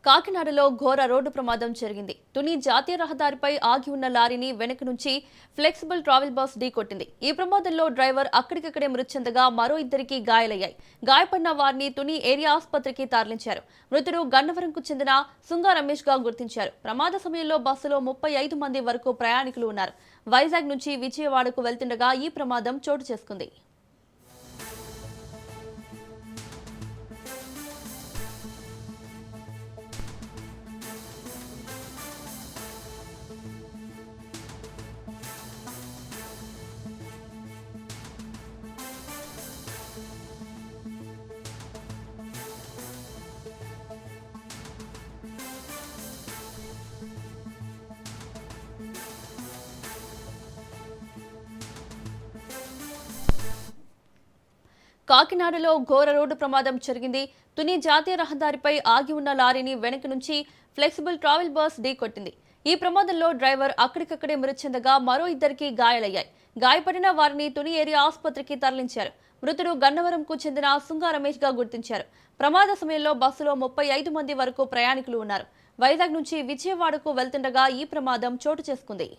కాకినాడలో ఘోర రోడ్డు ప్రమాదం జరిగింది. తుని జాతీయ రహదారిపై ఆగి ఉన్న లారీని వెనక నుంచి ఫ్లెక్సిబుల్ ట్రావెల్ బస్ ఢీకొట్టింది. ఈ ప్రమాదంలో డ్రైవర్ అక్కడికక్కడే మృతి చెందగా మరో ఇద్దరికి గాయాలయ్యాయి. గాయపడిన వారిని తుని ఏరియా ఆసుపత్రికి తరలించారు. మృతుడు గన్నవరంకు చెందిన సుంగా రమేష్ గా గుర్తించారు. ప్రమాద సమయంలో బస్సులో 35 మంది వరకు ప్రయాణికులు ఉన్నారు. వైజాగ్ నుంచి విజయవాడకు వెళ్తుండగా ఈ ప్రమాదం చోటు చేసుకుంది. కాకినాడలో ఘోర రోడ్డు ప్రమాదం జరిగింది. తుని జాతీయ రహదారిపై ఆగి ఉన్న లారీని వెనక నుంచి ఫ్లెక్సిబుల్ ట్రావెల్ బస్ ఢీకొట్టింది. ఈ ప్రమాదంలో డ్రైవర్ అక్కడికక్కడే మృతి చెందగా మరో ఇద్దరికి గాయాలయ్యాయి. గాయపడిన వారిని తుని ఏరియా ఆసుపత్రికి తరలించారు. మృతుడు గన్నవరంకు చెందిన సుంగా రమేష్ గా గుర్తించారు. ప్రమాద సమయంలో బస్సులో 35 మంది వరకు ప్రయాణికులు ఉన్నారు. వైజాగ్ నుంచి విజయవాడకు వెళ్తుండగా ఈ ప్రమాదం చోటు చేసుకుంది.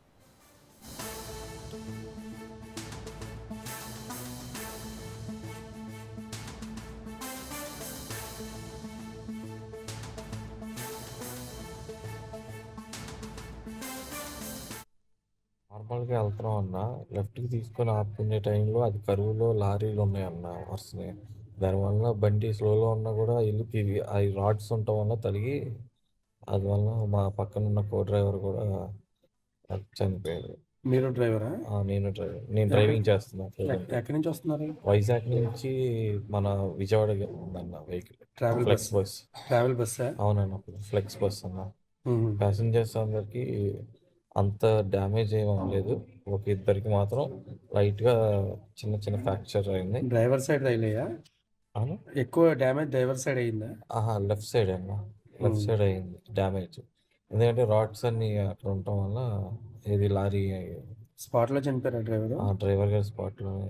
నార్మల్‌గా వెళ్తున్నాం అన్న. లెఫ్ట్‌కి తీసుకొని ఆపుకునే టైంలో అది కరువులో లారీలు ఉన్నాయన్న వరుసనే. దానివల్ల బండి స్లోలో ఉన్నా కూడా ఎళ్ళి అవి రాడ్స్ ఉండటం వల్ల తగిలి అందువల్ల మా పక్కన ఉన్న కో డ్రైవర్ కూడా చనిపోయాడు. మీరు డ్రైవరా? నేను డ్రైవర్. నేను డ్రైవింగ్ చేస్తున్నా. ఎక్కడి నుంచి వస్తున్నారు? వైజాగ్ నుంచి మన విజయవాడ ఉందన్న vehicle. Travel flex bus. Travel బస్సా? అవునన్న, ఫ్లెక్స్ బస్ అన్న. ప్యాసింజర్స్ అందరికి అంత డ్యామేజ్ ఏం అవ్వలేదు. ఒక ఇద్దరికి మాత్రం లైట్గా చిన్న చిన్న ఫ్రాక్చర్ అయింది. డ్రైవర్ సైడ్ రైలయ్యా? అవును, ఎక్కువ డ్యామేజ్ డ్రైవర్ సైడ్ అయిందా? లెఫ్ట్ సైడ్ అన్న. లెఫ్ట్ సైడ్ అయింది డ్యామేజ్. ఎందుకంటే రాడ్స్ అన్ని అక్కడ ఉండటం వల్ల ఇది లారీ స్పాట్లో చనిపోయారా డ్రైవర్? డ్రైవర్ గారి స్పాట్లోనే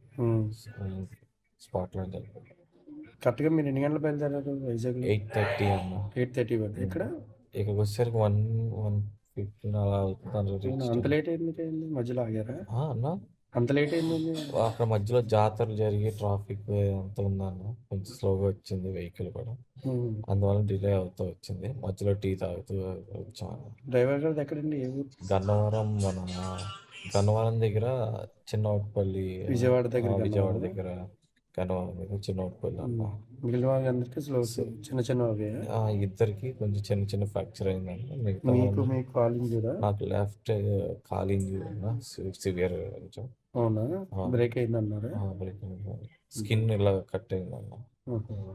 చనిపోయారు. కరెక్ట్గా మీరు ఎన్ని గంటలు బయలుదేరారు వైజాగ్? 8:30 అన్న. 8:30 వరకు. ఇక్కడికి వచ్చేసరికి 1:15 అలా అవుతుంది. అంత లేట్ అయింది మధ్యలో ఆగారా? అన్న అంత లేట్ అయింది. అక్కడ మధ్యలో జాతరలు జరిగి ట్రాఫిక్ అంత ఉందన్న. కొంచెం స్లోగా వచ్చింది వెహికల్ కూడా, అందువల్ల డిలే అవుతూ వచ్చింది. మధ్యలో టీ తాగుతూ వచ్చాను. డ్రైవర్ గారు ఎక్కడండి? ఏ ఊరు? గన్నవరం దగ్గర చిన్నపల్లి. విజయవాడ దగ్గర గన్నవరం దగ్గర చిన్నపల్లి అన్న. మిగిలిన వాళ్ళందరికీ స్లో చిన్న చిన్న ఇద్దరికి కొంచెం చిన్న చిన్న ఫ్రాక్చర్ అయిందండి. మీకు కాలింగ్ కూడా? నాకు లెఫ్ట్ కాలింగ్ సివియర్ కొంచెం. అవునా? బ్రేక్ అయిందన్నారా? బ్రేక్ అయింది. స్కిన్ ఇలా కట్ అయిందన్న.